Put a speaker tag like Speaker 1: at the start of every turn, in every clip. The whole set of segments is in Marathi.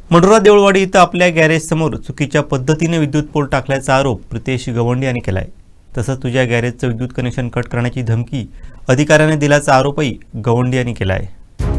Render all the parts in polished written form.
Speaker 1: मंडोरा देऊळवाडी इथं आपल्या गॅरेजसमोर चुकीच्या पद्धतीने विद्युत पोल टाकल्याचा आरोप प्रितेश गवंडी यांनी केला आहे. तसंच तुझ्या गॅरेजचं विद्युत कनेक्शन कट करण्याची धमकी अधिकाऱ्याने दिल्याचा आरोपही गवंडी यांनी केला आहे.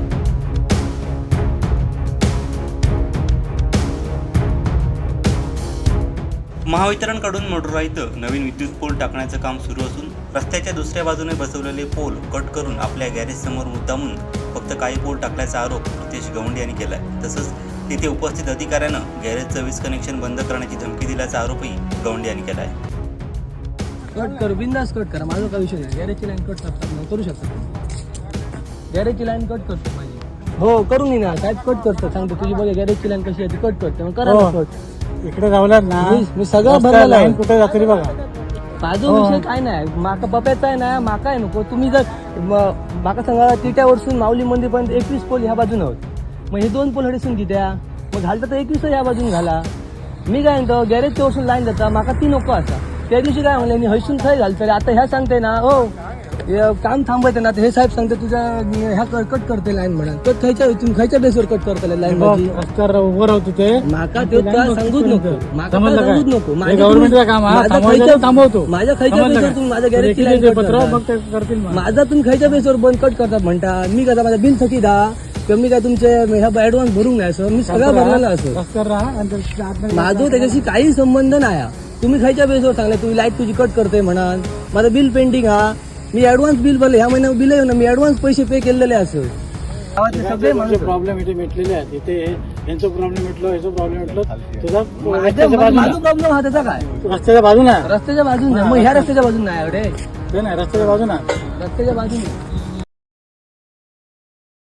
Speaker 1: महावितरणकडून मंडोरा इथं नवीन विद्युत पोल टाकण्याचं काम सुरू असून रस्त्याच्या दुसऱ्या बाजूने बसवलेले पोल कट करून आपल्या गॅरेजसमोर मुद्दामून फक्त काही पोल टाकल्याचा आरोप प्रितेश गवंडी यांनी केला आहे. तसंच तिथे उपस्थित अधिकाऱ्यानं गॅरेजचं वीज कनेक्शन बंद करण्याची धमकी दिल्याचा आरोपही गवंडी यांनी केला आहे.
Speaker 2: कट कर, बिंदास कट करा, माझा काही विषय नाही. गॅरेजची लाईन कट करतात करू शकतात. गॅरेजची लाईन कट करतो माझी. हो करून ना साहेब, कट करतो सांगतो. तुझी बघा गॅरेजची लाईन कशी आहे ती कट करते, मग करा कट.
Speaker 3: इकडे जावलात ना,
Speaker 2: मी सगळं भरलेलं
Speaker 3: लाईन कुठे जाते बघा.
Speaker 2: माझा विषय काय नाही, माका पप्याचा आहे ना, माका आहे नको. तुम्ही जर माका सांगा तिट्यावरसून माऊली मंदिरपर्यंत 21 पोल ह्या बाजून आहोत, मग हे 2 पोल हडीसून कित्या मग घालता तर 21 ह्या बाजून घाला. मी काय म्हणतो गॅरेजच्या वरसून लाईन जाता, माका ती नको असा. त्या दिवशी काय म्हणले मी हयसून खय घालतले, आता ह्या सांगते ना हो काम थांबवते ना, हे साहेब सांगते तुझ्या ह्या कट करते लाईन म्हणा. कट खायच्या तुम्ही खायच्या बेसवर कट करता लाईन माझी.
Speaker 3: उभं राहतो ते
Speaker 2: माका ते सांगूच नको, माका सांगूच नको.
Speaker 3: गव्हर्नमेंटचं काम थांबवतो.
Speaker 2: माझ्या खायच्या बेसवर तुम्ही माझ्या गॅरेजची लाईन करतील. माझा तुम्ही खायच्या बेसवर बंद कट करतात म्हणता. मी कसा माझ्या बिल थकी दा किंवा मी काय तुमचे ह्या ऍडव्हान्स भरून नाही असं मी सगळं भरलेलं असं. माझं त्याच्याशी काही संबंध नाही. तुम्ही खायच्या बेसवर सांगले तुम्ही लाईट तुझी कट करते म्हणा. माझं बिल पेंडिंग हा, मी ऍडव्हान्स बिल भरले, ह्या महिन्यात बिल आहे ना, मी ऍडव्हान्स पैसे पे केलेले असं.
Speaker 3: सगळे प्रॉब्लेम इथे मिटलेले आहेत. इथे यांचा प्रॉब्लेम मिटलो, याचा प्रॉब्लेम मिटलो. तुझा
Speaker 2: माझा प्रॉब्लेम हा त्याचा काय
Speaker 3: रस्त्याच्या बाजूला
Speaker 2: रस्त्याच्या बाजून मग ह्या रस्त्याच्या बाजून नाही एवढे
Speaker 3: नाही, रस्त्याच्या बाजूला
Speaker 2: रस्त्याच्या बाजून